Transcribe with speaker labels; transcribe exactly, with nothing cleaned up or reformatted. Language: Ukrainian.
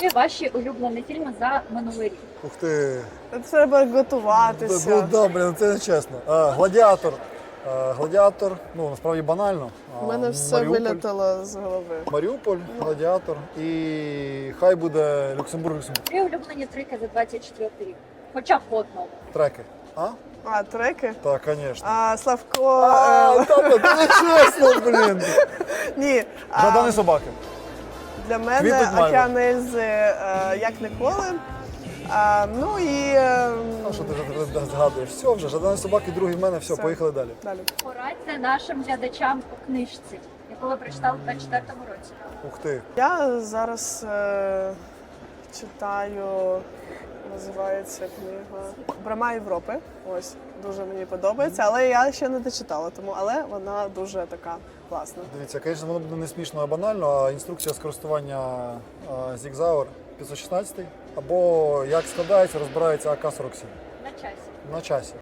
Speaker 1: Які ваші улюблені фільми за минулий рік?
Speaker 2: Ух ти.
Speaker 3: Треба готуватися.
Speaker 2: Ну, да, блін, це не чесно. А, Гладіатор. А, Гладіатор, ну, насправді банально.
Speaker 3: У мене все
Speaker 2: Маріуполь.
Speaker 3: вилетіло з голови.
Speaker 2: Маріуполь, Гладіатор і хай буде Люксембург, Люксембург.
Speaker 1: Три улюблені треки за двадцять четвертий рік. Хоча б по одному.
Speaker 2: Треки. А?
Speaker 3: А, треки?
Speaker 2: Так, звісно.
Speaker 3: А, Славко...
Speaker 2: А,
Speaker 3: е,
Speaker 2: та, та, не чесно, блін.
Speaker 3: Ні. а,
Speaker 2: Жадані собаки.
Speaker 3: Для мене
Speaker 2: Квітнуть мальва.
Speaker 3: Океан Ельзи е, як ніколи. А, ну і... е,
Speaker 2: А що ти вже згадуєш? Все вже, Жадані собаки, другий в мене, все,
Speaker 3: Все.
Speaker 2: поїхали далі.
Speaker 3: Далі.
Speaker 1: Порадьте нашим глядачам по книжці, яку ви прочитали в двадцять четвертому році.
Speaker 2: Ух ти.
Speaker 3: Я зараз е, читаю, називається книга «Брама Європи». Ось, дуже мені подобається, але я ще не дочитала, тому, але вона дуже така класна.
Speaker 2: Дивіться, звісно, воно буде не смішно, а банально, а інструкція з користування Zigzauer п'ятсот шістнадцять або як складається, розбирається А К сорок сім.
Speaker 1: На часі.
Speaker 2: На часі.